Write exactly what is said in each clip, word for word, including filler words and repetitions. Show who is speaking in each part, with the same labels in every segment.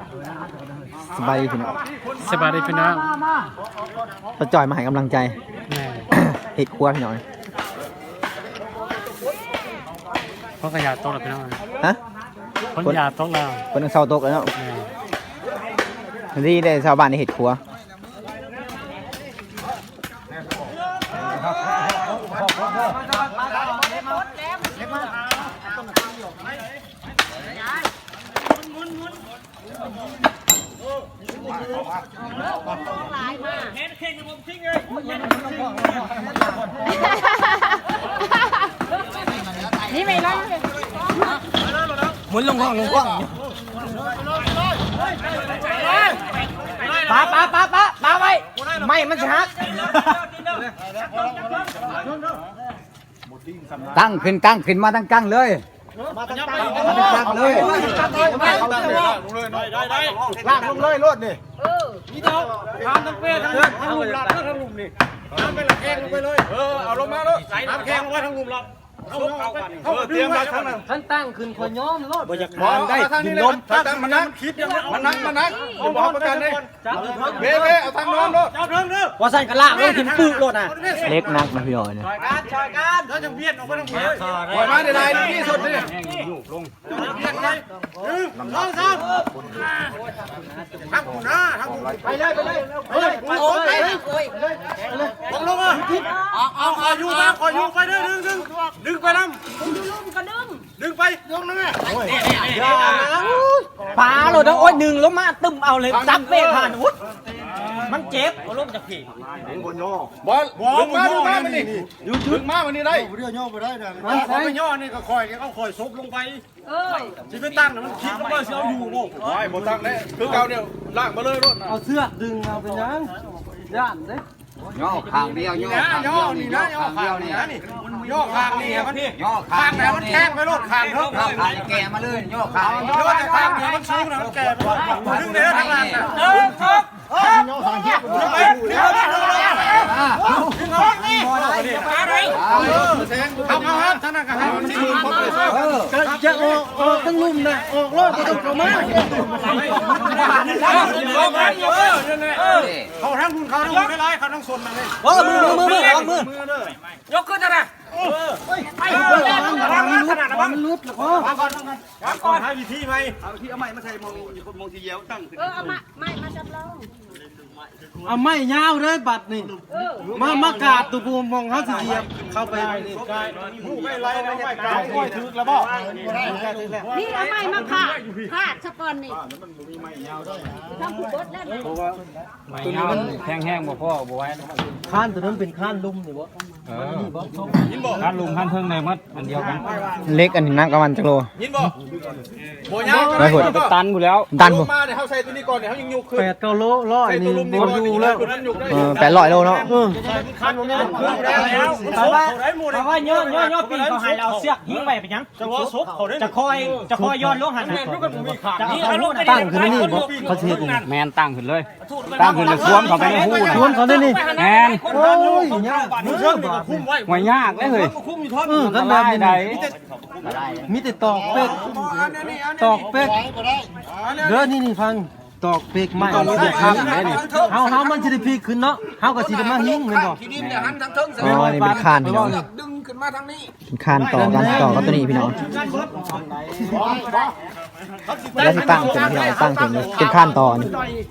Speaker 1: สบายดีพี่น้อง
Speaker 2: สบายดีพี่น้อง
Speaker 1: ป้าจ่อยมาให้กำลังใจ
Speaker 2: แม่
Speaker 1: เห็ดครัวพี่น้อง
Speaker 2: เพราะขยะโต๊ะแล้วพี่น้อง
Speaker 1: ฮะ
Speaker 2: คนยาโต๊ะแล้ว
Speaker 1: คนนึงเศร้าตกแล้วเนาะ
Speaker 2: แม่
Speaker 1: ที่ได้ชาวบ้านในเห็ดครัว
Speaker 3: นี่ไม่ร้อง
Speaker 1: หมุนลงห้องลงห้องป้าป้าป้าป้าป้าไว้ไม่มันจะหักตั้งขึ้นตั้งขึ้นมาตั้งกั้งเลยมาตั้งกั้งเลยลากลงเลยรถนี่นี่เจ้าทำทั้งเป้ทั้งทั้งลุมหลับทั้งลุมนี่ทำไปหลักแข้งลงไปเลยเออเอาลงมาเลยทำแข้งลงไปทั้งลุมหลับเอาเอาเตรียมมาทั้งนั้นท่านตั้งขึ้นคนย้อมรถบรรยากาศได้ดินลมตั้งมันนั่งคิดมันนั่งมันนั่งเอาบอกประกันเลยเบ้เบ้เอาทางน้อมรถเจ้าเทิงเด้อว่าสั่นกระลากรถขึ้นปื้รถน่ะเล็กนักนะพี่อ๋อยเนี่ยการชอยการถ้าจะเบียดออกไปทางนี้ปล่อยมาได้ได้ที่สุดนี่ลงเบียดเลยหนึ่งสองสามทางกูนะทางกูไปเลยไปเลยเฮ้ยโอ้ยลงลงอ่ะเอาเอาคอยอยู่นะคอยอยู่ไปเลยดึงดึงดึงไปน้ำดึงก็ดึงดึงไปลงนะแม่ปลาโหลดโอ้ยดึงลงมาตึมเอาเลยจับเบรกผ่านวุ้มันเจ็บเอาล้มจากผีบอลบอลดึงมาดึงมามันนี่ดึงมามันนี่ได้เรื่องย่อไปได้นะเขาไปย่อนี่ก็คอยเขาคอยซบลงไปเออที่ไปตั้งมันคิดว่าเสียวอยู่โง่ไม่หมดตั้งเลยคือเก่าเนี่ยล่างมาเลยรถเอาเสื้อดึงเอาไปยังย่านเด้ย่อข้างเดียวย่อข้างเดียวนี่นะย่อข้างเดียวนี่ย่อข้างนี่มันย่อข้างแล้วมันแข้งไปรถข้างเท่าข้างแกมาเลยย่อข้างย่อแต่ข้างเดียวมันสูงนะมันแกดึงเนื้อทางล่างนะเออครับย่อข้างเดียวดึงไปดึงไปดึงไปดึงไปนี่อะไรเอาเอาครับท่านนะครับจะออกออกตั้งลุ่มนะออกรถก็ต้องเข้ามาเขาทั้งคุณเขาทั้งคุณได้ไรเขาทั้งส่วนมาเลยมือมือมือมือมือยกขึ้นนะนะไปขนาดนั้นมันลุดหรอพ่อมาก่อนมาก่อนให้วิธีไหมเอาที่เอาไม้มาใส่มองมองทีเดียวตั้งเออเอาไม้ไม้มาจับเราเอาไม้ยาวเลยบัดนี่มามากาดตัวปูมองเขาสิเดียวเข้าไปนี่หูไม่ไรนะไม่กาดไม่ถึกแล้วบ่
Speaker 3: นี่เอาไม้มาผ่าผ่าสปอนนี่ทำผูกบดแล้วนะ
Speaker 2: ตัวนี้มันแห้งๆบ่พ่อบ่ไว้
Speaker 4: ข้านตัวนั้นเป็นข้านลุ่มนี่บ่
Speaker 2: เออข้านลุมข้านเทิงในมัดอันเดียวกัน
Speaker 1: เล็กอันนี้นักประมาณจักโล
Speaker 5: ยินบ่โบยาว
Speaker 1: ไปหด
Speaker 2: ตันหมดแล้ว
Speaker 1: ตันบ่
Speaker 5: มาเนี่ยเขาใส่ตัวนี้ก่อนเนี่ยเขายังยุกขึ้น
Speaker 4: แปดเก้าโลร้อยนี่บ่อยู่แล้ว
Speaker 1: เออแปดร้อยโลเนาะ
Speaker 2: คันบ่แม่นขึ้นแล้วแต่ว่าแต่ว่าย่อย่อๆปีเขาให้เราเสือกหิ้งไปเป็นหยังจะว่าซบเขาได้จะคอยจะคอยย้อนลงหันนี่เขาลง
Speaker 4: ตั้งขึ้นนี่บ่เขาสิเฮ็ดนี่
Speaker 2: แมนตั้งขึ้นเลยตั้งขึ้นเลยท่วมเขาไปในหู้
Speaker 4: ท่วมเขาได้นี่
Speaker 2: แมน
Speaker 4: โอ้ยยากนี่เรื่องบาด
Speaker 2: ห่วยยากเลยเฮ้ย
Speaker 4: เออกันแบบนี้มีแต่ตอกเป็ดตอกเป็ดเด้อนี่นี่ฟังตอกเป็ดใหม่เฮาเฮามันสิได้พีขึ้นเนาะเฮาก็สิได้มาหิ้งแม่นบ่
Speaker 1: อ๋อนี่เป็นคานพี่น้องดึงขึ้นมาทางนี้เป็นคานต่อกันต่อกับตัวนี้พี่น้องแล้วที่ตั้งเป็นพี่น้องตั้งเป็นเป็นคานต่อนี่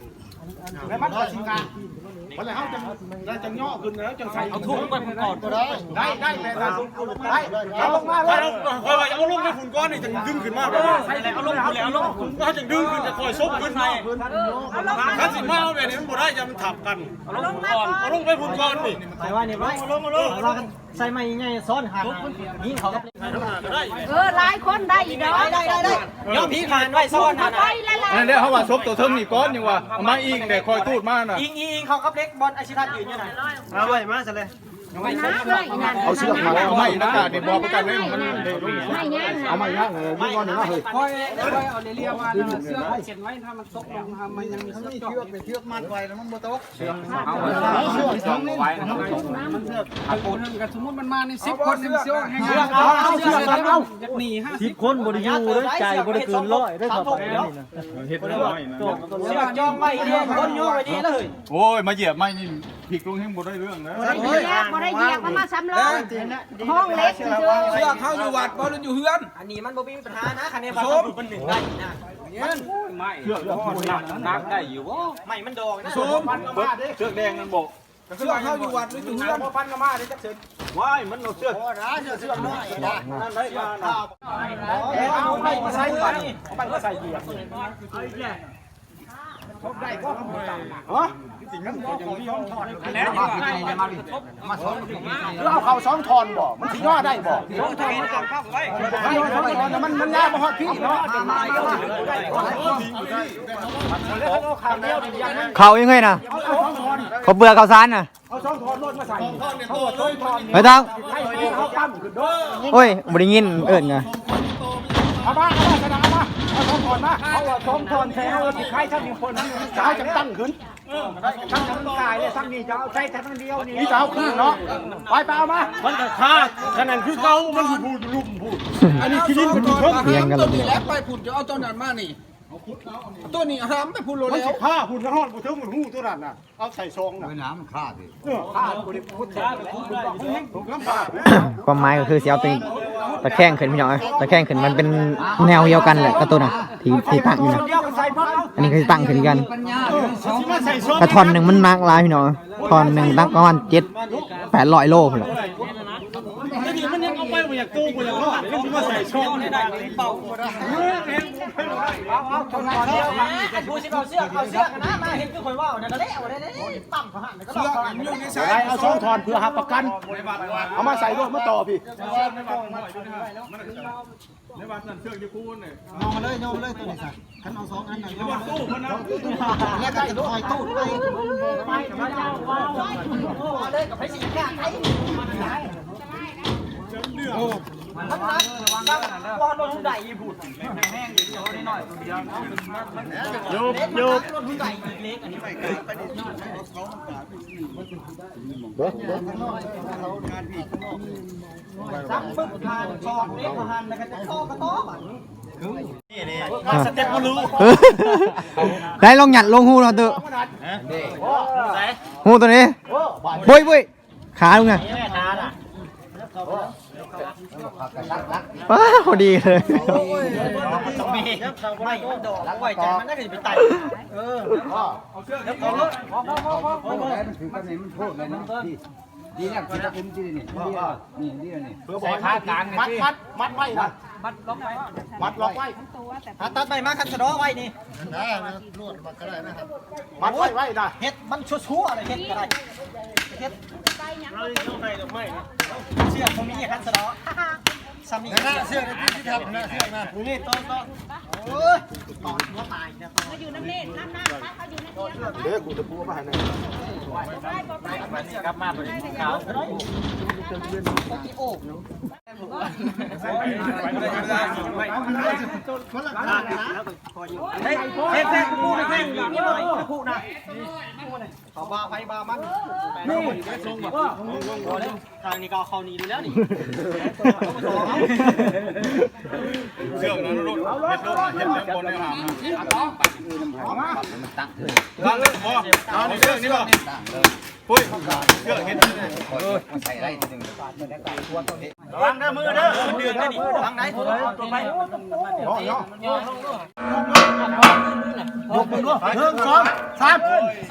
Speaker 5: วันไหนเขาจะได้จังย่อขึ้นแล้วจังใส่เอาทุ่งไปฝุ่นก่อนก็ได้ได้ได้แม่ได้ได้เอาลงมาเลยคอยเอาลงไปฝุ่นก้อนนี่จะดึงขึ้นมากเลยเอาลงเอาลงเอาลงเขาจะดึงขึ้นจะคอยซบขึ้นไปถ้าสิมาเอาแบบนี้มันบ่ได้จะมันถับกันเอาลงก่อนเอาลงไปฝุ่นก้อนนี่
Speaker 4: ไปว่านี่เอาลงเอาลงเรากันใส่ไม้ใหญ่ซ้อนหักยิงเขากับ
Speaker 3: เออหลายคนได้อีกได้ได้ได้
Speaker 2: ย่อผีขานไว้ซ้อนนะ
Speaker 5: นั่นแหละเขาว่าซบตัวเทิงนี่ก้อนยังว่ามาอิงเดี๋ยวคอยตูดมาน่ะ
Speaker 2: อิงอิงเขากับเล็กบอลอาชิรัตยืนอยู่ไหน
Speaker 4: เอาไว้มาซะเลย
Speaker 3: ไม่นะไม่นั่น
Speaker 5: เอาเชือกมาเอาไม้หน้ากากเนี่ยบอกประกันเลยมัน
Speaker 3: ไม่ย่าง
Speaker 5: เอาไม้ย่างเลยยี่ก้อนหนึ่งนะเฮ้ย
Speaker 6: ค่อยค่อยเอาเรียว่าเสื้อเขียนไว้ถ้ามันตกลงมันยังมีเชือก
Speaker 5: เป็นเชือกมัดไว้แล้วมันบ่ตก
Speaker 6: เอาเชือกสองไว้นะครับมันเชือกเอาคนนึงกับสมมติมันมาในสิบคนนึงเชือกให้ง่ายเอาเชือกเอาหนีห้า
Speaker 4: สิ
Speaker 6: สิ
Speaker 4: บบ คนบ่ได้อยู่เด้อใจบ่ได้เกินร้อยได้ครับนี่นะ
Speaker 5: เฮ็ดน้อยนะ
Speaker 2: เสือกจองไว้ดีคนโยกไว้ดีเลย
Speaker 5: โอ้ยมาเหยียบไม้นี่ผิดลงให้บ่ได้เรื่องนะ
Speaker 3: บ่ได้เหยียบบ่ได้เหยียบมาซ้ำเลยห้องเล็กเฉย
Speaker 6: เชือกเข้าอยู่วัดบ่ได้อยู่เฮือน
Speaker 2: อันนี้มันบ่มีปัญหานะคะแนนว่าถูกมันหนึ่งได้นะ
Speaker 6: ไม่
Speaker 5: เชือกแล้วมันหนัก
Speaker 6: นักได้อยู่บ่
Speaker 2: ไม่มันดองนะ
Speaker 5: โซมเชือกแดงนั่นบอก
Speaker 6: เชือกเข้าอยู่วัดหรืออยู่เฮือน
Speaker 2: พันกมาได้จักเสร็จ
Speaker 5: ว้ายมันเอาเชือกเชือกน้อยนะนั่นได้มานะ
Speaker 2: เอาไปมาใส่ก่อนเอาไปมาใส่เหยียบ
Speaker 6: แล้วมามาดิ
Speaker 5: เราเอาเข่าสองทอนบ่มันสิย่อได้บ่
Speaker 6: ลงทางมันเข้าไว้
Speaker 5: มันมันยากบ่ฮอดพี่เนาะ
Speaker 7: เขายังไงนะเขาเบื่อเขาซานน่ะ
Speaker 5: เอาสองทอนรถมาใส่เขาบอกสองทอน
Speaker 7: ไม่ต้อง
Speaker 5: ให้เขาปั้มขึ้นด้วย
Speaker 7: โอ้ยบริงินเอิญไง
Speaker 5: เอามาเอามาชนะเอามาเอาสองทอนมาเขาว่าสองทอนแท้เอาสิใครทั้งคนจะเอาจังตั้งขึ้นทั้งทั้งกายเลยทั้งนี้จะเอาใช้ทั้งเดียวนี่จะเอาขึ้นเนาะไปไปเอามามันก็ฆ่าขนาดคือเก่ามันสิพูดลุ่มพูดอันนี้คิดเป็นเพิ่ม
Speaker 7: เพียงกันเล
Speaker 6: ตัวย นี้แล้วไปพุ่นจะเอาตัวนั้นมานี่ตัวนี้ห้ามไปพุ่นโล
Speaker 5: มัน
Speaker 6: แล้
Speaker 5: สิ
Speaker 6: ว
Speaker 5: ฆ่าหุ่นกระหอนบ่ถึงมันหูตัวนั้นน่ะเอาใส่ซองน่ะน้ำมันฆ่าดิฆ่าบ่ได้พูดได้พูดได้ผมน้ำฆ่า
Speaker 7: ความหมายก็คือเสียเอาตัวตะแคงขึ้นพี่น้องเอ้ยตะแคงขึ้นมันเป็นแนวเดียวกันแหละกับตัวน่ะที่ที่ตั้งอยู่นะ
Speaker 5: เดียวกันใส่พักเอา
Speaker 7: อันนี้คือตั้งขึ้นกัน
Speaker 5: สิมาใส่ซอง
Speaker 7: แต่ทอนหนึ่งมันนักหลายพี่น้องทอนหนึ่งตั้งประมาณเจ็ดแปดร้อยโลพุ่นแหละ
Speaker 5: นี่มันยังเอาไปบ่อยากตู้บ่อยากรอดมันสิมาใส่ซองได้เป่าเอาเอาชนก่อนเดียว
Speaker 2: ดูสิเอาเสือกเอาเสือกนะมาเห็นคือคนว่านั่นก็แล้วได้ปั๊มเขาหันก็ต้อง
Speaker 5: เอาซองถอนเพื่อหักประกันเอามาใส่รถมาต่อพี่ ในวันนั้นเชือกจะพูดเนี่ย
Speaker 4: เอามาเลยเอามาเลยตัวนี้ค่ะคันเอาสองอันน่ะเอามา
Speaker 5: ตู้มันนะ
Speaker 4: แล้วก็จะคอยตู้ไป
Speaker 2: เลยกับไผสิแค่ไอ้มันนักว่าโดนหุ่นใดอีบุตรแห้งๆเดี๋ยวได้หน่อยโยบโยบโดนหุ่นใดอีเล็กอันนี้ไปไปซ้ำปึ๊บทานชอกเล็กทานแล้วก็จะชอกกระต๊อบอ่ะสเต็ปมาลู
Speaker 7: ได้ลองหยัดลงหูเราเถอะหูตัวนี้บุยบุยขาลุงไง
Speaker 2: แม่ทานอ่ะ
Speaker 7: ว้าพอดีเลย
Speaker 2: ต้องมีไม่มันดอกไว้ใจมันน่าจะไปไต่เออเอาเชือกแล้วเอารถพอพอพอพอพอ
Speaker 6: มันถือกันนี่มันโทษเลยนะดีดีเนี่ยกินตะกุ่มดีนี่นี่นี่นี่
Speaker 5: เพื่อบอกให้มัดมัดมัดไว้นะ
Speaker 2: มัดล็อกไว้
Speaker 5: มัดล็อกไว้
Speaker 2: ตัดใบมาคันสะดอไว้นี่
Speaker 5: มัดไว้ไว้นะ
Speaker 2: เฮ็ดมันชั่วๆอะไรเฮ็ดก็ได้เฮ็ดเชือกตรงนี้คันสะดอซ้ำนี่เชือกที่ทำนะเชือกนะนี่ต้นต้นโอ้ยตอนหัวตายเนี่ย
Speaker 3: มาอยู่น้ำเล่นน้ำน้ำเขาอยู่ในเตียง
Speaker 5: เดี๋ยวกูจะพูดมาให้นะ
Speaker 2: กลับมาบริขาวโอ้เฮ้ยเฮ้ยแท่งกูนะแท่งนี่บ่กูนะเขาบาไฟบามันนี่ทางนี้ก็เขานีดูแล้วนี่
Speaker 5: เชือกนั้นรถเห็ดรถเห็ดแล้วบนในหางเอามาตั้งเลยพอเอาเชือกนี่ป่ะปุ้ยเชือกเห็ดใส่ได้หนึ่งระวังเด้อมือเด้อเดือดนี่ระวังไหนตัวไปย่อย่อย่อยกมือด้วยหนึ่งสองสาม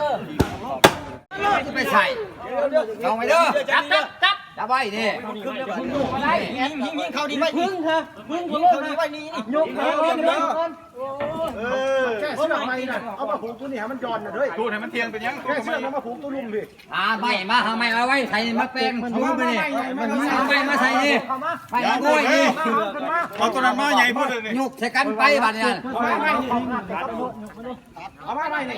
Speaker 5: ไปใส่เอาไปเด้อจับจับจับจับไว้ดิยิงยิงยิงเขาดีไว้พึ่งเถอะพึ่งยิงเขาดีไว้นี่นี่ยกเลยยกเลยเออแค่เชืทำไมน่ะเอามาผูกตัวนี้ให้มันจอนน่ะด้วยพูดให้มันเทียงเป็นยังแค่เชือกมาผูกตัวลุมดิ
Speaker 6: อ่าไม่มาทำไมเอาไว้ใส่มาแป้งชูไปนี่เอาไม่มาใส่นี่ไม่เอาด้วยนี่
Speaker 5: เอาตัวนั้นมาใหญ่พูดเลยนี่
Speaker 6: ยุกใส่กันไปบัดนี้
Speaker 5: เอามาไม่นี่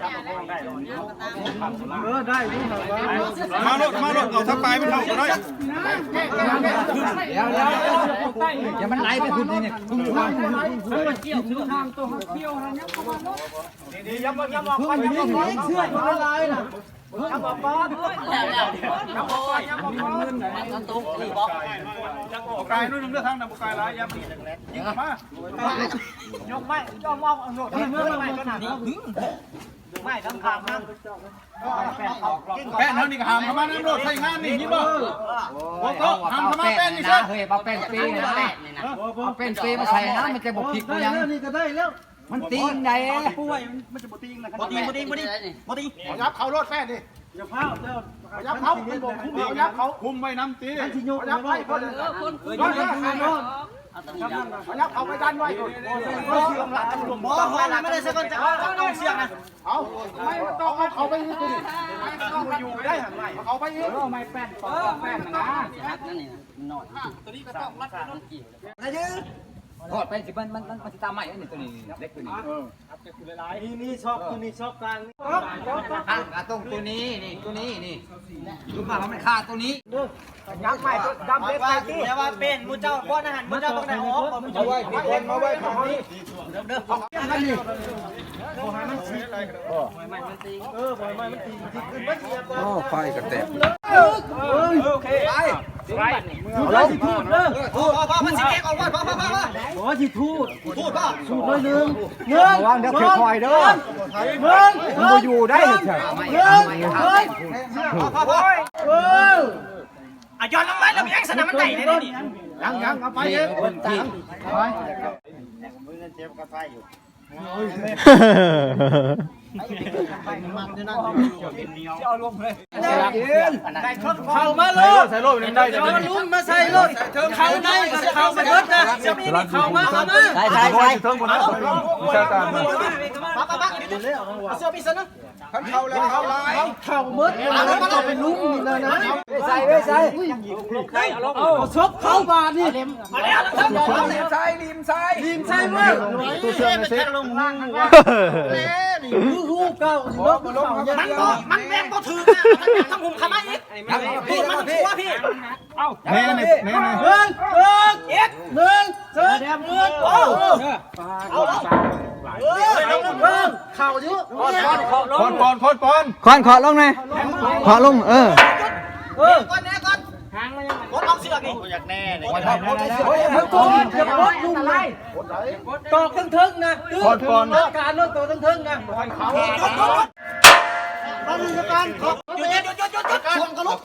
Speaker 4: เออได้รู้เหรอวะ
Speaker 5: มาโลดมาโลดเอาทักปลายมันเท่ากันได้
Speaker 6: เดี๋ยวเดี๋ยวอย่ามันไหลไปคุณนี่เนี่ย
Speaker 1: ดีๆยับยับยับออกไปยับออกไปเชื่อมันละลายน่ะยับออกไปแล้วแล้วยับออกไปยับออกไปมันตุ้งนี่บอก
Speaker 5: กายนู่นนึงเลือกทางนำกายร้ายยับนี่ยิงมาย
Speaker 1: กไม่ยอมมองโดดไม่ไม่ขนาดนี้ไม่ทำขามนะ
Speaker 5: แป้นเท่านี้ก็หามมาน้ำโลดใส่งานนี่ยิงบ่โอ้โหหามมาแป้นนี่
Speaker 6: นะ
Speaker 5: ใช่
Speaker 6: เฮ้ยเอาแป้งปีนะเอาแป้งปีมาใส่นะมันจะบกผิดกูยัง
Speaker 4: นี่ก็ได้แล้ว
Speaker 6: มันตีงได้
Speaker 1: ป่วยมันจะบ่ติงนะบ่ติงบ่ติงบ่ติงบ่ติง
Speaker 5: ยับเขาโลดแป้นดิ
Speaker 4: อย่าเผาเด้อ
Speaker 5: ยับเขาคุมคุมยับเขาคุมไว้น้ำตียับไว้คนยับยับเขาไปดันไว้ก่อนเชื่อมละตำรวจ
Speaker 1: บ่ฮอดไม่ได้สักคนจะเอาเอาเสียงนะ
Speaker 5: เอาไม่ต้องเอาเขาไปนี่ดิอยู่ได้หันไหเขาไปอีก
Speaker 6: ไม่แป้งต่อแป้งนะทอดไปสิมันมันมันสิตามใหม่นี่ตัวนี้เล็กตัวนี้
Speaker 4: นี่นี่ชอบตัวนี้ชอบกลางนี่
Speaker 6: อ่ะตรงตัวนี้นี่ตัวนี้นี่ดูมามันขาดตัวนี้
Speaker 1: ยับใหม่ดำเล็กไปที่แต่ว่าเป็นมูเจ้าบ่อาหารมูเจ้าต้องได้ออกมูเจ้า
Speaker 5: เอาไว้พี่คนเอาไว้ของนี้
Speaker 1: เด้อ
Speaker 6: โอ้ไฟกระแตก
Speaker 1: โอเคไปไปเราสิพูดเด้อพอพอมันสิแกออกว่าพอพอพอ
Speaker 4: ขอสิทูด
Speaker 1: พูดป่ะ
Speaker 4: ทูดเลยหนึ่งเงิน
Speaker 6: วางเดี๋ยวคอยเด้อ
Speaker 4: เงิน
Speaker 6: ผมบ่อยู่ได้เฉย
Speaker 4: เงินเงิน
Speaker 1: พอพอพอ
Speaker 4: เออ
Speaker 1: อ่ะย้อนลงไปแล้วมีแอคชั่นมันไต่ได้นี่
Speaker 5: ยังยังเอาไป
Speaker 6: ๆ
Speaker 5: เย
Speaker 6: นี่
Speaker 5: อะ
Speaker 6: คนที่
Speaker 4: เข้ามาเลย
Speaker 5: ใส่โล่เป็นได้
Speaker 4: เอาลุ้มมาใส่รถเข้าในเข้าไปรถนะเข้ามาเข้ามา
Speaker 1: ใช่ใช่ใช่
Speaker 5: เทิงบนนั้นวิชาการ
Speaker 1: ปั๊บปั๊บปั๊บเสื้อพี่ซันนะ
Speaker 5: เข้าแล้วเข้าลาย
Speaker 4: เข้าเมื่อเราเป็นลุ้มนี่เลยนะ
Speaker 6: ใส่ไว้ใส่
Speaker 4: เอาชกเข้าบานี่
Speaker 1: มาแล้วครับ
Speaker 6: ริมซ้ายริมซ้าย
Speaker 4: ทีมใช่ไหม
Speaker 1: ตัวเสื้อมันแค่ลงล่างนะ
Speaker 4: คือฮู้เก่าสิรถมันเข้า
Speaker 1: มันบ่มันแรงบ่ถือนะมันทำหุ่มขมาอีกพี่มันชัวพี่
Speaker 5: แน่นี่แน่นี่
Speaker 4: เงินเงิน
Speaker 1: เอ็ก
Speaker 4: เงินเงินเงินโอ้
Speaker 1: เอาเออลง
Speaker 4: เงินเข่าเยอะ
Speaker 5: ปอนปอนปอนปอน
Speaker 7: ขอนขอลงหน่อยขอลงเออ
Speaker 4: เออ
Speaker 1: ก่อนแน่ก่อนหางมันยังไงกดเอาเสือกนี่อยากแน่เลย
Speaker 4: เฮ้ยทั้งตัวอย่ารถลุ่มเลยตอกทั้งทึ่งนะคือการรถตัวทั้งทึ่งนะเขา
Speaker 1: หยุดหยุดหยุดมาดูกันหยุดหยุดหยุดหยุดหยุดหยุดชนกันลุก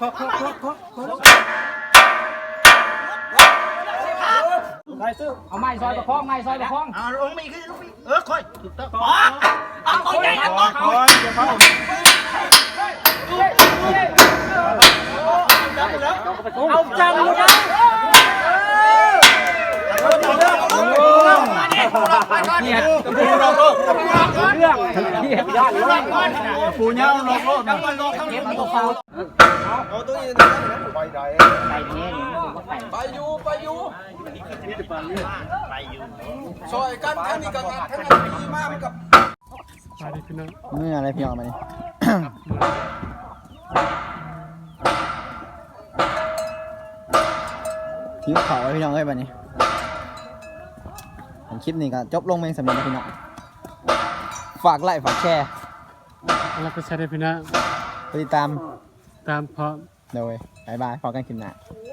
Speaker 6: เอาไม้ซอยประคองไม้ซอยประคอง
Speaker 1: อ่าลงมีขึ้นลงมีเออค่อยอ๋อเอาตัวใหญ่นะตัว
Speaker 5: ปอนจะเข้า
Speaker 4: เอาจังเลยนะ
Speaker 6: เนี่ย
Speaker 5: ปูเราโลก
Speaker 6: เรื่องเทียบยอดเลย
Speaker 5: ปูเงาโลกโลกนะ
Speaker 6: เก็บมันก็ฟาว
Speaker 5: ไปอยู่ไปอยู่ซอยกันทั้งนี้กันทั้งนั้นดีมากกับ
Speaker 7: เมื่ออะไรพี่ออกมานี่ ทิ้วเขาไว้พี่น้องเอ้ยบัดนี้ผมคลิปนี้ก็จบลงเองสำเร็จแล้วพี่น้องฝากไลค์ฝากแชร์
Speaker 4: แล้วก็ใช้ได้พี่นะ
Speaker 7: ไปติดตาม
Speaker 4: ตามพร้อม
Speaker 7: โดยบายบายพอกันคลิปหน้า